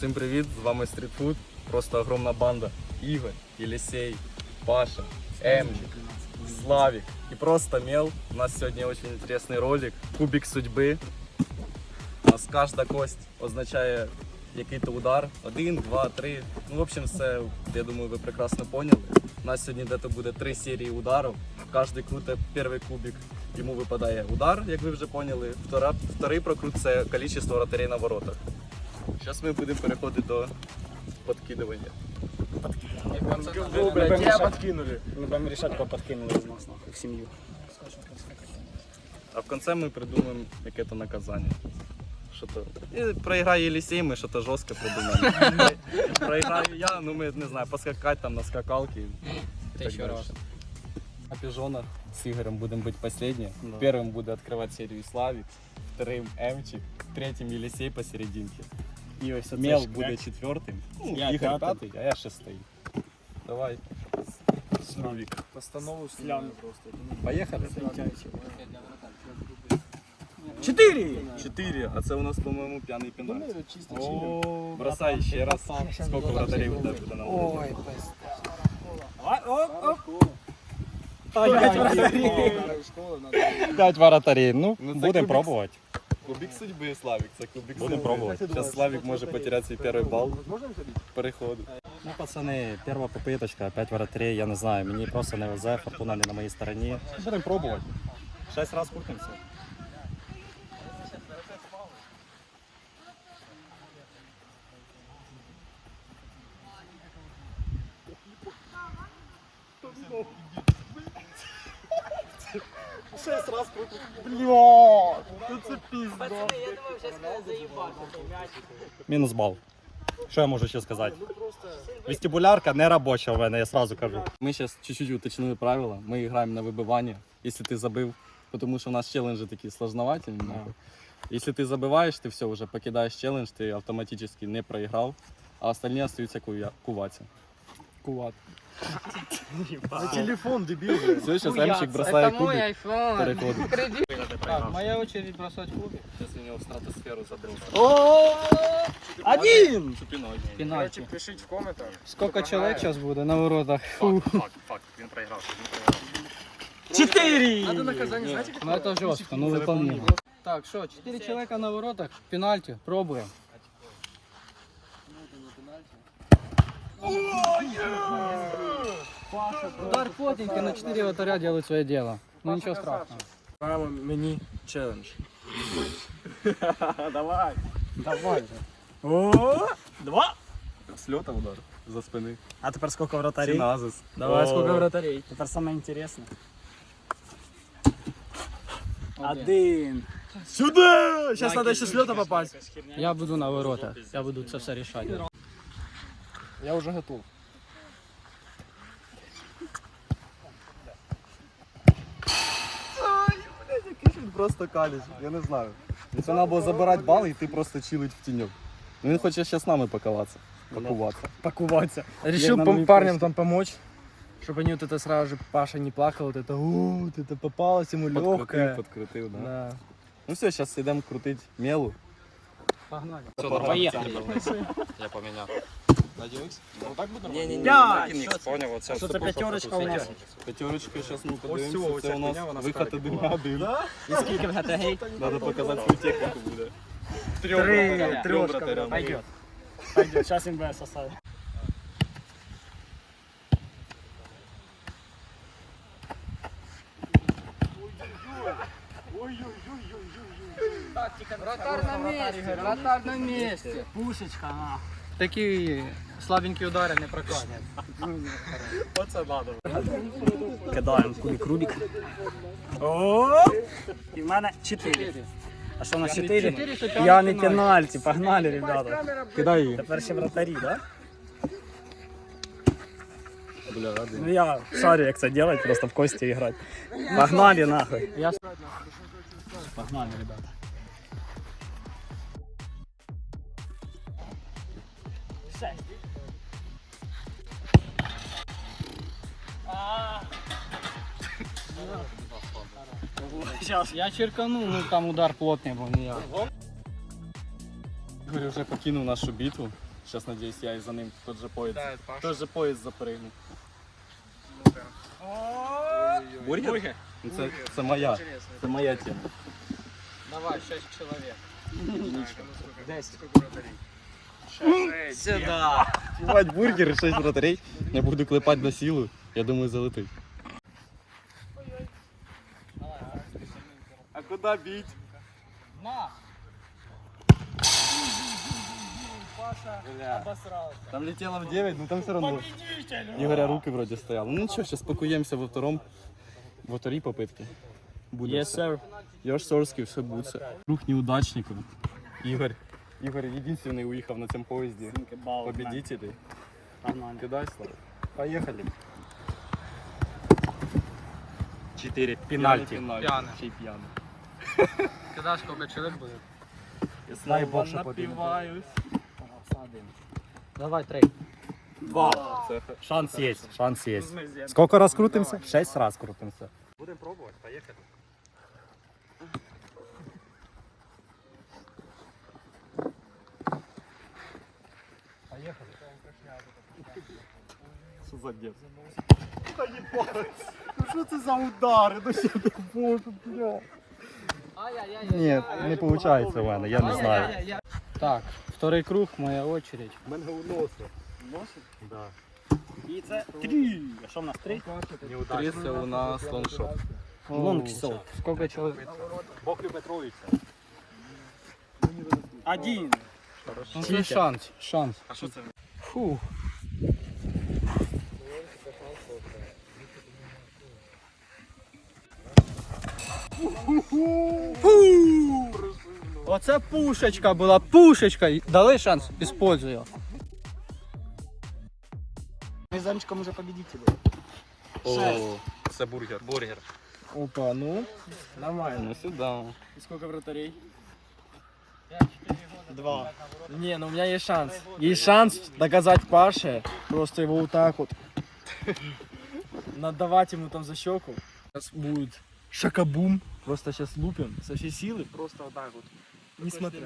Всім привіт, з вами Street-Food. Просто огромна банда. Ігор, Єлісей, Паша, Емчик, Славик и просто Мел. У нас сегодня очень интересный ролик. Кубик судьби. У нас кожна кость означає який-то удар. 1, 2, 3. Ну, в общем, все, я думаю, ви прекрасно поняли. У нас сьогодні дето буде 3 серії ударів. Кожен крутить перший кубик, йому випадає удар, як ви вже поняли. Вторий прокрут – це кількість вратарей на воротах. Зараз ми будемо переходити до подкидування. Тебя подкинули. Мы будем решать, кого подкинули из нас нахуй в семью. А в кінці ми придумаємо яке-то наказання. Що-то... І проіграє Єлісей, ми що-то жорстко придумаємо. Проіграю я, ну ми, не знаю, поскакати там на скакалки. Это еще раз. На пижонах с Игорем будем быть последние. Да. Первым буду открывать серию Славик, вторым Эмчик, третьим Елисей посерединке. Мел будет четвертым, Я Игорь пятый. пятый, а я шестый. Давай, Славик. Постанову сляну просто. Поехали. 4, а це у нас, по-моему, пьяный пенальти. Чисто О, бросай еще раз. Сколько вратарей у тебя буде на Ой, Пять вратарей, ну, Ну, це будем кубик. пробовать. Кубик судьби, Славик, це кубик Будем судьби. пробовать. Сейчас Славик може потерять свій перший бал. Переходу. Ну, пацаны, первая попыточка, 5 вратарей, я не знаю, мені просто не везе, фортуна не на моїй стороні. Будем пробовать. 6 раз крутимся. Мінус бал. Що я можу ще сказати? Вестибулярка не робоча в мене, я сразу кажу. Мы сейчас чуть-чуть уточнили правила. Мы играем на выбывание, если ты забыл. Потому что у нас челленджи такие сложновательные. нахуй. Если ты забываешь, ты все, уже покидаешь челлендж, ты автоматически не проиграл, а остальные остаются куваться. Кулак. Телефон, дебил. Все, сейчас Эмчик бросает кубик. iPhone. Переходит. Так, моя очередь бросать кубик. Сейчас у него в стратосферу забрался. Один! Цепиной. Пенальти. Пишіть в коментах. Сколько человек сейчас будет на воротах? Факт, він проиграл. 4! Надо наказание, знаете, как? Ну это жестко, ну выполнимо. Так, что, 4 человека на воротах, пенальти, пробуем. Удар плотненький, на 4 вратаря делают свое дело. Ну ничего страшного. Правило мені челендж. Давай. Давай же. С лета удар. За спины. А теперь сколько вратарей? Синазис. Давай, О. сколько вратарей? Теперь самое интересное. Один. Сюда! Сейчас надо еще с лета попасть. Я буду на ворота. Я буду это все решать. Я уже готов. Він просто каліч, я не знаю. Це треба було забирати бал і ти просто чилить в тіньок. Ну він хоче ще з нами пакуватися. Пакуваться. Решил Я на парням там помочь, чтобы они вот это сразу же, Паша не плакал, вот это, вот это попалось ему легкое. Подкрутив, да. Да. Ну все, зараз йдемо крутити мелу. Погнали. Поїхали. Я поміняв. Пять! Поняв, оце. Что за пятерочка у нас? П'ятерочка, зараз ми подивимося, це у нас виход 1-1. И сколько вратарей? Треба показати свою техніку буде. Трешка. вратарям. Пойдет. Пойдет. Сейчас им БС оставим. Вратарь на месте, вратарь на месте. Пушечка, на. Такие слабенькие удары не прокатят. Оце надо. Кидаємо кубик Рубик. І в мене 4. А що у нас 4? Я не пенальті. Погнали, ребята. Кидай її. Тепер ще вратарі, да? Бля, радий. Ну я шарю, як це делать, просто в кості грати. Погнали нахуй. Погнали, ребята. Сейчас. Я черканул, ну там удар плотный был, не я. Ігор вже покинув нашу битву. Сейчас, надеюсь, я и за ним тот же поезд. Да, это Паша. Тот же поезд запрыгну. Бургер? Ну, це моя. Це моя тема. Давай, 6 человек. 10. Сюда. Ебать, бургер и 6 вратарей. Я буду клепать на силу. Я думаю, залетить. А куда бить? На! Бля. Там летело в 9, но там все равно. Игоря руки вроде стоял. Ну ничего, сейчас спакуемся во второй попытке. Будет. Yes, sir. Йош Сорский, все будет. Круг неудачников. Игорь единственный уехал на этом поезде. Победителей. Погнали. Кидай, Слава. Поехали. 4 пенальти. Пьяный. Чей пьяный. Когда сколько человек будет? Дай Бог, що побіду. напиваюсь. Давай, 3. 2. Шанс есть, шанс есть. Сколько раз крутимся? 6 раз крутимся. Будем пробовать, поехали. Що за дед? Та ебать! Ну що це за удари? Ну ще не можу, бля. Ні, не виходить у мене, я не знаю. Так, второй круг, моя очередь. Мене уносить. Да. І це 3. А що в нас 3? Тридцять у нас лоншот. Лонгшот. Сколько человек? Бог любить троїця. 1. Ну, це шанс. А що це? Фу. Оце пушечка була, пушечка. Дали шанс, используй його. Ми з Замчиком уже победители. О, це бургер. Опа, ну. Нормально. Ну сюда. И сколько вратарей? 2. Не, ну у меня есть шанс. Есть шанс доказать Паше. Просто его вот так вот. Надавать ему там за щеку. Сейчас будет шакабум. Просто сейчас лупим со всей силы. Просто вот так вот. Несмотря.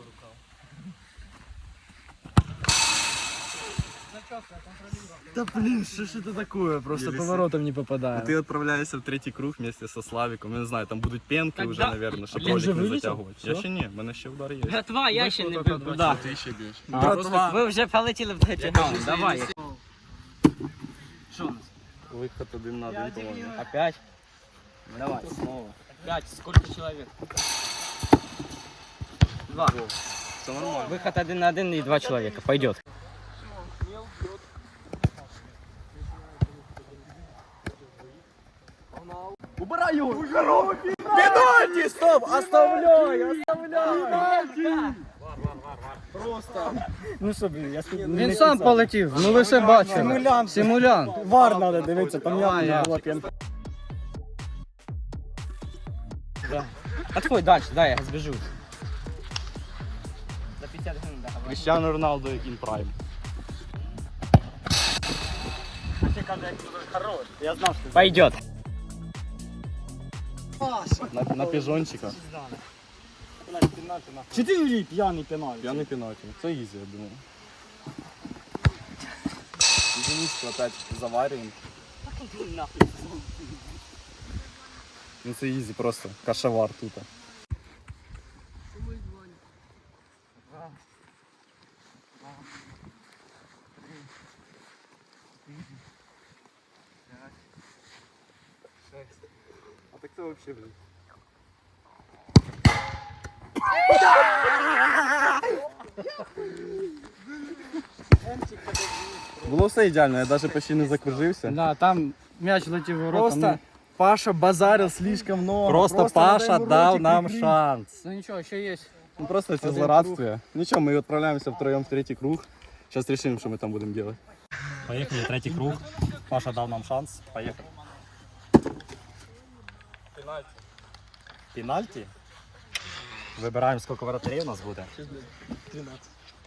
Да блин, что ж это такое? Просто Елисей. поворотом не попадаю. Ты отправляешься в третий круг вместе со Славиком. Я не знаю, там будут пенки Так уже, да. наверное, чтобы Він ролик вже не вилетів? затягивать. Я Всё? ще ні, в мене ще удар є. Братва, я ще не бив. Да. Ти ще б'єш. Братва. Ви вже полетіли в третій раунд. Давай. Що у нас? Виход один на один, по-моєму. Опять? Давай, снова. 5. Сколько человек? 2. Все нормально. Выход 1 на 1 и 2 человека. Пойдет. Убирай його! Пенальти, стоп! Оставляй! Ну що, блін, я Він сам полетів. Ну ви все бачили. Симулянт. Симулянт. Вар надо дивитися, там явно не було п'янки. Отходь дальше, дай я сбежу. За 50 гривен, да. Кріштіану Роналду in prime. Я знав, що Пойдет. На піжончика. 4 п'яний пенальті. П'яний пенальті. Це ізі, я думаю. Единичку опять заварюємо. Ну це ізі просто. Кашевар тут. А так це вообще, блин. Було все ідеально, я навіть почти не закружився. Да, там м'яч летів в ворота. Просто Паша базарил слишком много. Просто Паша надо ему дав ротик нам прикрыть. шанс. Ну нічого, ще є. Ну просто это злорадствие. Ничего, мы отправляемся втроем в третий круг. Сейчас решим, что мы там будем делать. Поїхали, третій круг. Паша дав нам шанс. Поїхали. Пенальті? Вибираємо, скільки воротарів у нас буде. 13.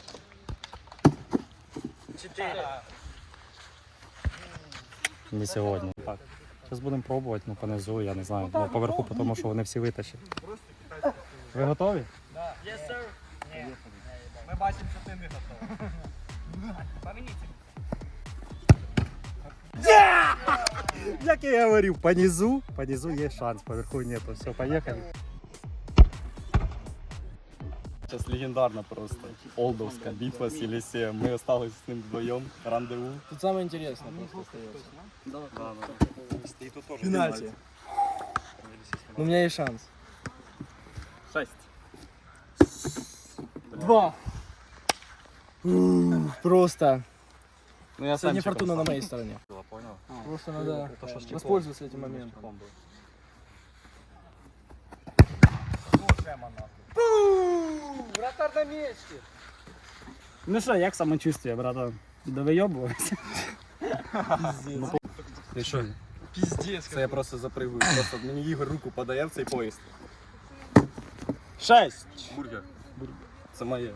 4. Не сьогодні. Так. Зараз будемо пробувати, ну понизу, я не знаю. Ну, поверху, тому що вони всі витащать. Ви готові? Ми бачимо, що ти не готовий. Як я и говорил, по низу есть шанс, поверху нету. Все, поехали. Сейчас легендарно просто. Олдовская битва с Елисеем. Мы остались с ним вдвоем. Рандеву. Тут самое интересное просто остается. Пенальти. Но у меня есть шанс. 6. 2. Просто. Ну я Сегодня сам фортуна на моей стороне. Понял? Просто надо воспользоваться этим моментом. Вратарь на месте. Ну що, як самочувствие, братан? Довийобувався? Ти що? Пиздец. Це я просто запригую. Просто мені Ігор руку подає в цей поїзд. 6. Бургер. Це моє.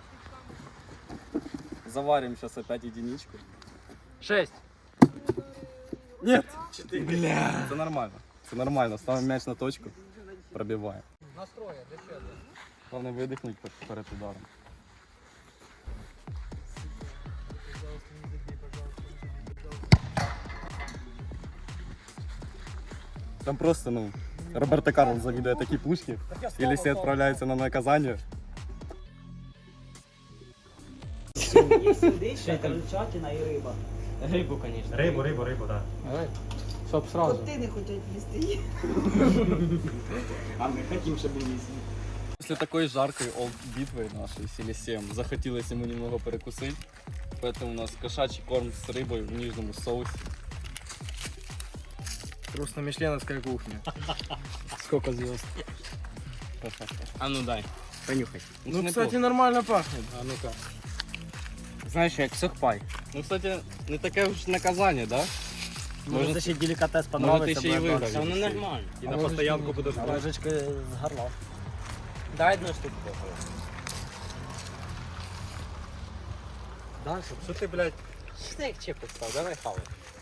Заварим сейчас опять единичку. 6. Нет. 4. Бля. Це нормально. Це нормально. Ставимо м'яч на точку. Пробиваємо. Настроя, для чего? Головне видихнути перед ударом. Там просто, ну, Роберто Карлос завидует такие пушки. Елисей отправляется на наказание. Ще крольчатина і риба. Рибу, звісно. Рыбу, да. Давай. Чтоб сразу. Коти не хочуть їсти їх. А ми хотім, щоб їсти. После такой жаркой битвы нашей с Елисеем захотелось ему немного перекусить. Поэтому у нас кошачий корм с рыбой в нижнем соусе. Просто мишленовская кухня. Сколько звезд? А ну дай, понюхай. Ну, кстати, нормально пахнет. А ну-ка. Знаєш, як сухпай. Ну, кстати, не таке уж наказание, да? Може, це ще делікатес Може, понравиться. ти ще й буде виграв. Та воно нормально. И на постоянку будешь далі. Ложечки з горла. Дай одну штуку. Далі. Что ты, блядь? Що ти як чепи став? Давай хавай.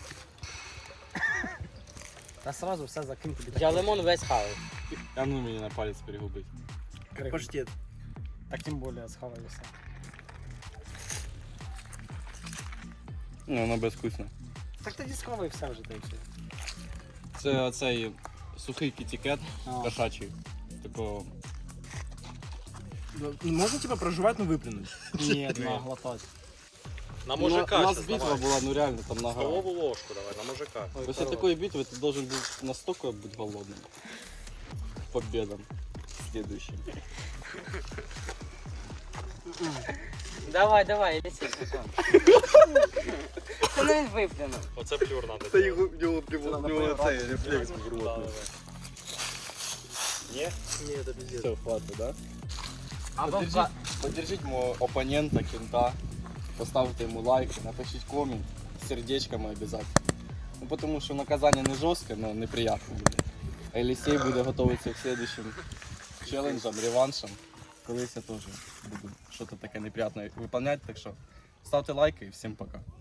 Та сразу все закинь тобі. Я лимон весь хавай. А ну мне на палец перегубить. Паштет. Так тим більше схаваю все. Ну, воно безвкусно. Так тоді схавай все вже так. Це оцей сухий кітікет А. кошачий. Такого. Можно типа проживать, но выплюнуть? Ні, наглотать. На У нас битва була, ну реально там нога. ложку давай, на мужика. После такой битвы ты должен был настолько быть голодным. Победам следующим. Давай, Елисей, пацан. Це не виплюнув. Оце плюр надо. Та його в нього цей рефлекс був. Ні? Все, хватит, да? Або Поддержите моего оппонента, кента. Поставьте ему лайк, напишите коммент с сердечками обязательно. Ну, потому что наказание не жесткое, но неприятно будет. А Елисей буде готовиться к следующим челленджам, реваншам. Колись я тоже буду что-то такое неприятное выполнять. Так что ставьте лайки и всем пока.